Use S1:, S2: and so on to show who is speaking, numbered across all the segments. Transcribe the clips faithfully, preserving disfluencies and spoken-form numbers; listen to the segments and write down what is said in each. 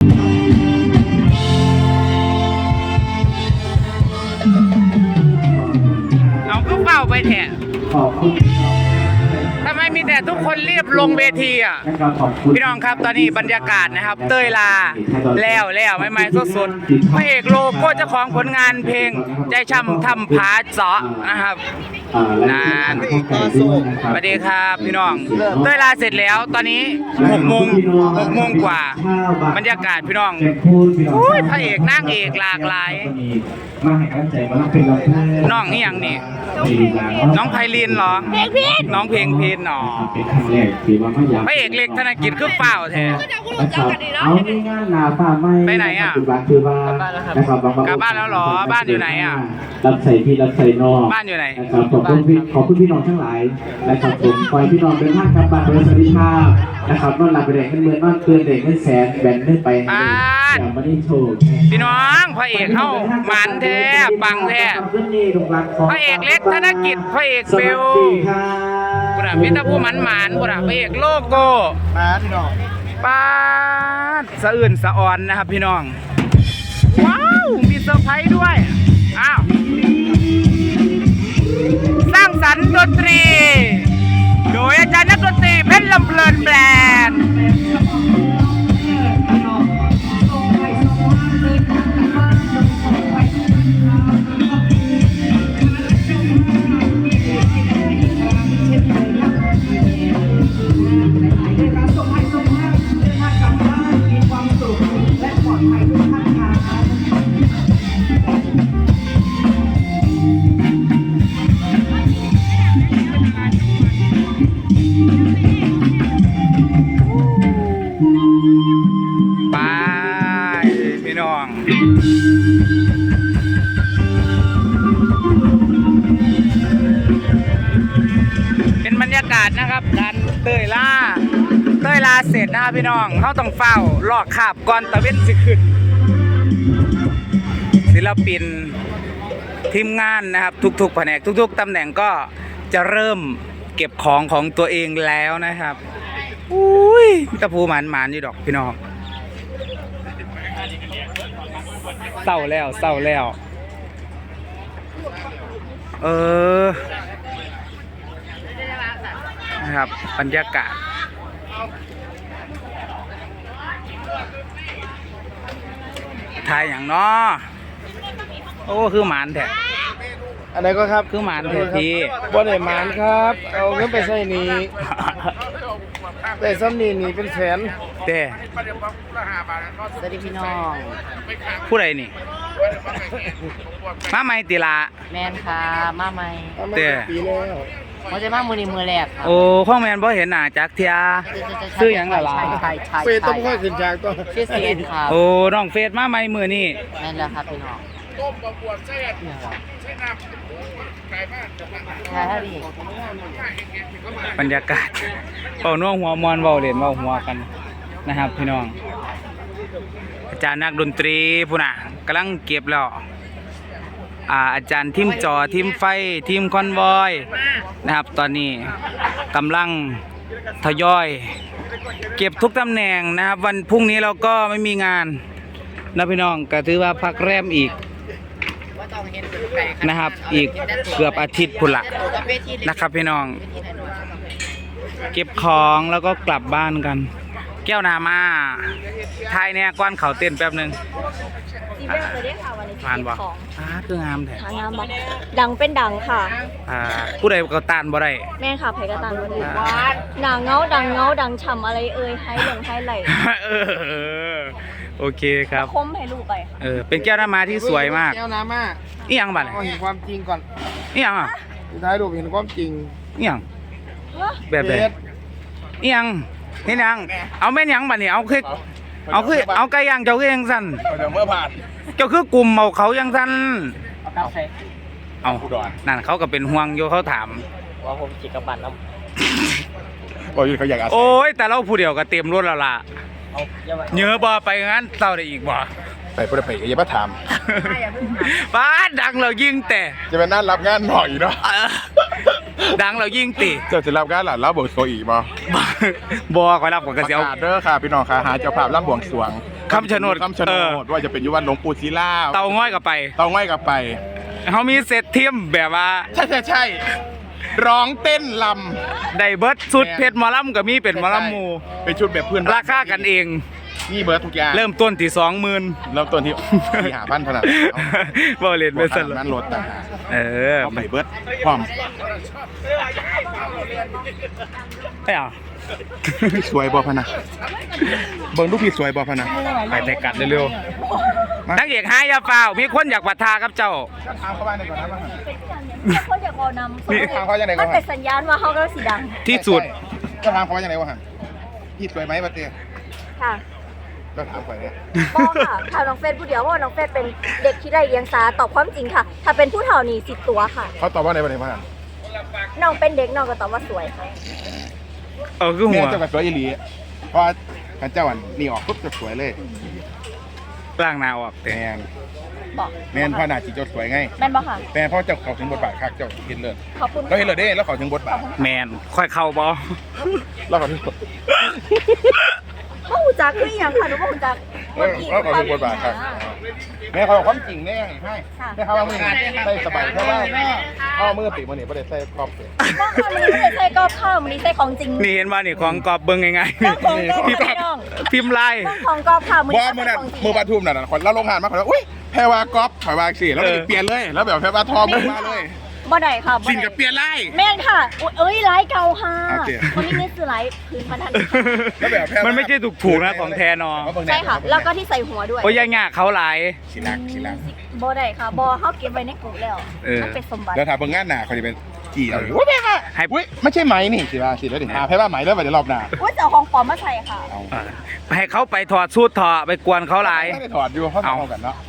S1: เอาก็เฝ้าไปแทน
S2: ขอบคุณ
S1: ทำไมมีแต่ทุกคนรีบลงเวทีอ่ะพี่น้องครับตอนนี้บรรยากาศนะครับเต้ยลาแล้วแล้วไม่ไม่สดๆพระเอกโลโก้เจ้าของผลงานเพลงใจช่ำทำผาเจาะนะครับนานสวัสดีครับพี่น้องเต้ยลาเสร็จแล้วตอนนี้หกโมงหกโมงกว่าบรรยากาศพี่น้องอุ้ยพระเอกนางเอกหลากหลายน้องนี่อย่างนี้น้องไพลินเหรอน้องเพลงพีนหนอพระเอกเล็กธนกิจคือเปล่าแท้
S2: เอาในงานหนาฟ้าไม่
S1: ไปไหนอ่ะกลับบ้านแล้วหรอบ้านอยู่ไหนอ่ะ
S2: รับใส่พี่รับใส่นอก
S1: บ้านอยู่ไหน
S2: นะครับขอบคุณพี่ขอบคุณพี่น้องทั้งหลายนะครับผมคอยพี่น้องเป็นท่านกลับบ้านโดยสวัสดิภาพนะครับนอนหลับไปเด็กขึ้นเมืองนอนเตือนเด็กขึ้นแสนแบนขึ้นไปอย่ามาได้โชว์
S1: พี่น้องพระเอกเข้าหมันแท้ปังแท้พระเอกเล็กธนกิจพระเอกเบลบุระพิตาผู้หมันหมันบุระพระเอกโลโก้
S3: มาพี่น้อง
S1: ป้าสะอื่นสะอ่อนนะครับพี่น้องว้าวมีเซอร์ไพรส์ด้วยอ้าวสร้างสรรค์ดนตรีโดยอาจารย์นักดนตรีเพชรลำเพลินแบรนด์เป็นบรรยากาศนะครับการเต้ยล่าเต้ยลาเสร็จนะครับพี่น้องเขาต้องเฝ้าลอกคาบก่อนตะเว้นสิขึ้นศิลปินทีมงานนะครับทุกๆแผนกทุกๆตำแหน่งก็จะเริ่มเก็บของของตัวเองแล้วนะครับอุ้ยตะพูหมานหมานอยู่ดอกพี่น้องเศร้าแล้วเศร้าแล้วเออนะครับบรรยากาศถ่ายอย่างน้อโอ้คือหมานแท้
S3: อันไหนก็ครับ
S1: คือหมานแท้ที
S3: บ่ได้หมานครับเอาเงินไปใส่นี้แต่ซ้ำนี่นี่เป็นแสน
S1: เต้
S4: สวัสดีพี่น้อง
S1: ผู้ใดนี่มาใหม่ติละ
S4: แมนค่ะมาใหม่
S1: เต้
S3: ปีแล้ว
S4: เขาจะมามือนี้มือแรก
S1: โอ้ข้องแมนบ่เห็นหน้าจักเทียซื้อหยังล่ะล่ะ
S3: เฟซต้องค่อยขึ้นจากตัว
S4: ชื่อเซียนครับ
S1: โอ้น้องเฟซมาใหม่มื้อนี้
S4: แม่นแล้วครับพี่น้องต้มบะบวชเส้นใช้น้ำไก่บ้านใช่ดิ
S1: บรรยากาศเป่าน่วงหัวมอนเว้าเล่นเว้าหัวกันนะครับพี่น้องอาจารย์นักดนตรีพุ่นน่ะกำลังเก็บแล้วอ่าอาจารย์ทีมจอทีมไฟทีมคอนวอยนะครับตอนนี้กำลังทยอยเก็บทุกตำแหน่งนะครับวันพรุ่งนี้เราก็ไม่มีงานนะพี่น้องก็ถือว่าพักแรมอีกนะครับอีกเกือบอาทิตย์พุ่นละนะครับพี่น้องเก็บของแล้วก็กลับบ้านกันแก้วนามาทายเนี่ยก้อนเขาเต้นแป๊บนึงผ่านบ่อ่าคืองามแท้
S5: งามบ่ดังเป็นดังค่ะ
S1: อ่าผู้ใดก็ตานบ่ได้
S5: แม่ค่ะไผก็ตานบ่ได้หนาเงาดังเงาดังฉ่ำอะไรเอ่ยให้หลงให้ไหล
S1: เออโอเคครับ
S5: คมให้ลูกไป
S1: เออเป็นแก้วน้ำมาที่สวยมาก
S3: แก้วน้ำมา
S1: อีหยังบัด
S3: เห็นความจริงก่อน
S1: อีหยังอ่ะ
S3: สุดท้ายรูปเห็นความจริง
S1: อีหยังแบบไหนอีหยังเห็นยังเอาแม่นยังบัดนี้เอาคือเอาคือเอาไก่ย่างเจ้าคือยังสั่น
S3: เดี๋ยวเมื่อผ่าน
S1: เจ้าคือกลุ่มเอาเขายังสั่นเอานั่นเขาก็เป็นห่วงอยู่เขาถาม
S4: ว่าผมจิกบัตรแล้ว
S3: โอ้ยเขาอยาก
S1: โอ้ยแต่เราผู้เดียวก็เต็มรถแล้วล่ะเนื้อบ่ไปงั้นเศร้าได้อีกบ่
S3: ไปพูดไปอย่ามาถาม
S1: ป้าดังเรายิงแต่
S3: จะเป็นนั่นรับงานหน่อยเนาะ
S1: ดังเรายิ่งติ
S4: เจ้าจะรับงานหลานรับบวงสรวงอีกบ่
S1: บ่คอยรับกับก
S4: ประ
S1: ระเสียว
S4: กาศเด้อค่ะพี่น้องค่ะหาเจ้าภาพรับบวงสรวง
S1: คำชะโนด
S4: คำชะโน
S1: เอ
S4: ดว่าจะเป็นอยุวันหลวงปู่ศิลา
S1: เตาง่อยกับไป
S4: เตาง่อยกลับไป
S1: เขามีเซตเทียมแบบว่า
S4: ใช่ใช่ใช่ร้องเต้นล
S1: ได้เบิร์ดสุดเพชรหมอลำก็มีเป็น
S4: ำ
S1: หมอลำหมู
S4: เป็นชุดแบบเพื่อน
S1: ราคากันเอง
S4: นี่เบิร์ดทุกอย่าง
S1: เริ่มต้นที่สองหมื่น
S4: เริ่มต้นที่ที่หาพันขนาด
S1: บ่เล่นไปสั่น
S4: นั้นรถต่างหาก
S1: เออ
S4: เอาไปเบิร์ดพร้อม
S1: ไม่เอา
S4: พี่สวยบ่พะนะเบิ่งลูกพี่สวยบ่พะนะ
S1: ไปแต่กัดเร็วๆนักเอกหายาเปล่ามีคนอยากปะทากับเจ้า
S4: ถามเขาบ้านในก่อนนะว่า
S5: เขาอยากเอานำ
S4: นี่ถามเขาอย่างไรก่
S5: มั
S4: อน น
S5: เป็นสัญญาณว่าเขากำลังสีดัง
S1: ที่สุด
S4: ก็ถามเขาว่าอย่างไรวะฮะพี่สวยไหมปะเต้
S5: ค่ะ
S4: ก็ถามไปเนี่ย
S5: ป้องค่ะถามน้องเฟซผู้เดียวเพราะว่าน้องเฟซเป็นเด็กที่ได้เลี้ยงสาตอบความจริงค่ะ ถ้าเป็นผู้เฒ่านี่สิบตัวค่ะ
S4: เขาตอบว่าในวันไหนบ้าง
S5: น้องเป็นเด็กน้องก็ตอบว่าสวยค่ะ
S1: เออคือหั
S4: แม่
S1: ว
S4: เจ้ากับสวยอีหลีเพราะท่านเจ้าอันนี่ออกปุ๊บจะสวยเลย
S1: ร่างหนาออกแต่
S4: แมน
S5: บอก
S4: แมนพ่อหน้าจีเจ้าสวยไง
S5: แม่นบอกค่ะ
S4: แมนพ่อเจ้าเขาถึงบทบาทคักเจ้าเห็นเลย
S5: ขอบคุณ
S4: เราเห็นเลยเด้แล้วเขาถึงบทบาท
S1: แมนค่อยเข้าบ่
S4: แล้วเขาถึงบท
S5: พ่อหูจักคืออหย่างค่ะหนูพ่อหูจัก
S4: แล้วแล้วเขาถึงบทบาทครับแม่เขาบอกความจริงแน่ให้แม่เขาว่ามือใส่สบายเพราะว่าพ่อมือปีมือนี่ไม่ได้ใส่ครอบเสีย
S5: ป้องค่ะมันนี้ไม่ได้ใส่กรอบข้าวมันนี้ใส่ของจริง
S1: นี่เห็นว่านี่ของกอบเบิ่งง่ายๆ
S5: ต้องของกรอบ
S1: พิม
S5: ค่ะ
S1: พ์
S5: น้อง
S1: พิมพ์ลาย
S5: ต้องของกรอบข้าวมัน
S4: ว่า
S5: นี้
S4: มือ
S5: ใส่
S4: นั้น
S5: ของจริง
S4: มือปทุมนั่นนะคนเราลงหานมาคนละอุ้ยแพรวากอล์ฟถอยวางสิแล้วเปลี่ยนเลย แล้วแบบแพรวาทอมือมาเลย
S5: บ่ได้ค่ะบ่
S4: สิน
S5: ได้
S4: กับเปลี่ยนไล่
S5: แม่นค่ะอุ๊ยเอ้ยไลฟ์เก่าค่ะ
S4: โอเค
S5: วันนี้นี่คือไลฟ์พื้นบรรทัด
S4: แล้วแบบแพรวา
S1: มันไม่ใช่ถูกถูกๆนะของแทนอ
S5: ใช่ค่ะ แล้วก็ที่ใส่หัวด้วย
S1: โอ้ยยังยากเขาหลาย
S4: สิลักสิลัก
S5: บ่ได้ค่ะบ่เฮาเก็บไว้ในกลุ่มแล้ว
S1: เออ
S5: มันเป็นสมบัติ
S4: แล้วถ้าเบิ่งงานหนาเขาจะเป็นกี่เอาอุ้ยแม่ค่ะ
S1: ให้
S4: อุ้ยไม่ใช่ไหมนี่สิว่าสิแล้วดิหาแพรว่าไหมแล้วไปเดี๋ยวรอบหน้า
S5: ว่าจะเอาของปลอมมาใส่ค่ะ
S4: เอา
S1: เออให้เขาไปถอดสูตรถอดไปกวนเขาหลาย
S4: ไม่ได้ถอดอยู่เพราะเอากันเนาะ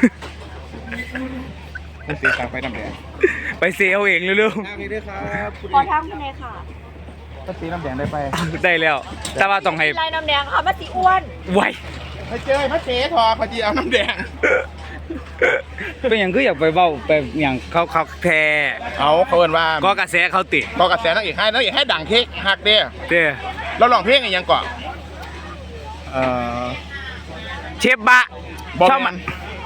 S4: ไม่เสียตังค์ไปน้ำแดง
S1: ไปเสียเอาเองเร็ว
S4: นี่ด้วยครับ
S5: ขอทางคุณเนยค่ะ
S4: ก็ตีน้ำแดงได้ไป
S1: ๆได้แล้ว แต่ว่าต้องให้
S5: ลายน้ำแดงค่ะมาสีอ้วน
S1: ไว
S4: ไปเจอพระเจ๊ทอพอดีเอาน้ำแดง
S1: เป็นอย่างคืออยากไปเว้าไปอย่างเขาเขาแท้
S4: เอาเขาเอินว่า
S1: ก็กระแสเขาติ
S4: ก็กระแสนักเอกให้นักเอกให้ดังเค้กหักเด้อ
S1: เด้
S4: เราลองเพลงอีกยังก่อนเอ่อ
S1: เชฟบะ
S4: บอ
S1: ชอบ
S4: มั
S1: มัน น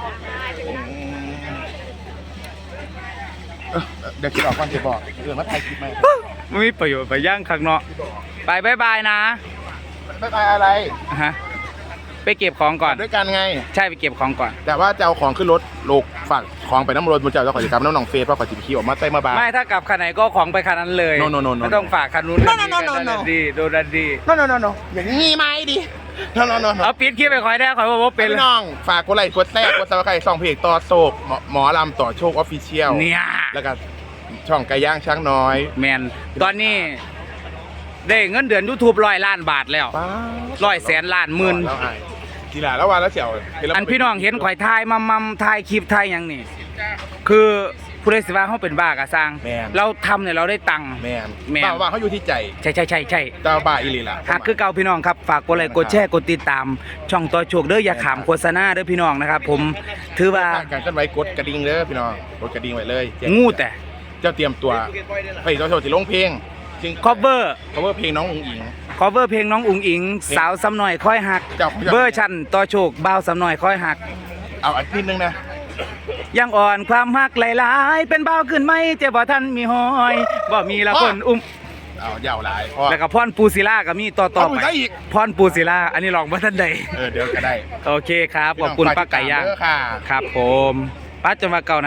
S4: เดี๋ยวคิดออกก่อนจะบอกเรื่องมาถ่ายคลิปไหม
S1: ไม่มีประโยชน์ไปย่างข้างนอกไปบายบายนะ
S4: ไม่ไปอะไร
S1: ฮะไปเก็บของก่อน
S4: ด้วยกันไง
S1: ใช่ไปเก็บของก่อน
S4: แต่ว่าจะเอาของขึ้นรถลูกฝากของไปน้ำรถมันจะเอาขอจิกรรมน้ำหนองเฟสเพราะขอจิบขี้ออกมาใต้มาบาน
S1: ไม่ถ้ากลับคันไหนก็ของไปคันนั้นเลย
S4: No, no, no, no,
S1: ไม่ต้องฝากคันนู้น
S4: No,
S1: คัน
S4: no, no, no,
S1: นี้
S4: no.
S1: ดีโดนันดี
S4: โนโนโนโนอย่างนี้ไหมดิโนโนโน
S1: เอาปิดคลิปไปคอยได้คอยว่าว่าเป็น
S4: พี่น้องฝากกดไลค์กดแชร์กดซับสไครต์ช่องเพจต่อโศกหมอหมอลำต่อโชคออฟฟิเชียล
S1: เนี่ย
S4: แล้วก็ช่องไก่ย่างช้างน้อย
S1: แมนตอนนี้ได้เงินเดือนยูทูบร้อยล้านบาทแล้ว
S4: ป้า
S1: ร้อยแสนล้านหมื่น
S4: แล้วไอ้กีฬาแล้ววันแล้วเสี่ยวเห็แล้ว
S1: อันพี่น้องเห็นข่อยทายมัมมัมทายคลิปทายหยังนี่ คือผู้ใดสิว่าเขาเป็นบ้ากะสร้าง
S4: แมน
S1: เราทำเนี่ยเราได้ตังค์
S4: แมน
S1: แม่น
S4: บ้าว่าเขาอยู่ที่ใจ
S1: ใช่ใช่ใช่ใช่
S4: เจ้าบ้าอีหลีล่ะ
S1: หากคือเก่าพี่น้องครับฝากกดไลค์กดแชร์กดติดตาม ช่องต่อโชคเด้ออย่าขามโฆษณาเด้อพี่น้องนะครับ ผมถือว่า
S4: การเคลื่อนไหวกดกระดิ่งเด้อพี่น้องกดกระดิ่งไว้เลยแจ้ง
S1: งูแต่
S4: เจ้าเตรียมตัวไปเจ้าโชว์ที่ลงเพลงจริง
S1: cover
S4: cover เพลงน้องอุ๋งอิง
S1: cover เพลงน้องอุ๋งอิง สาวสำหน่อยค่อยหัก
S4: เจ้า
S1: เบอร์ชันต่อโชคบ่าวสำหน่อยค่อยหัก
S4: เอาอันนิดนึงนะ
S1: ยังอ่อนความหักหลายๆเป็นบ่าวขึ้นไหมเจ้าบ่ทันมีหอยบ่มีละคนอุ้ม
S4: เอายาวหลายพ่อ
S1: แล้วก็พรปูศิลาก็มีต่อต่อ
S4: เอาอี
S1: ไป
S4: กได้อีก
S1: พรปูศิลาอันนี้ลองบ่ทันใด
S4: เออเดี๋ยวก็ได้
S1: โอเคครับขอบคุณป้าไก่ย่าง
S4: เด้อค่ะ
S1: ครับผมป้าจะมาเก่านะ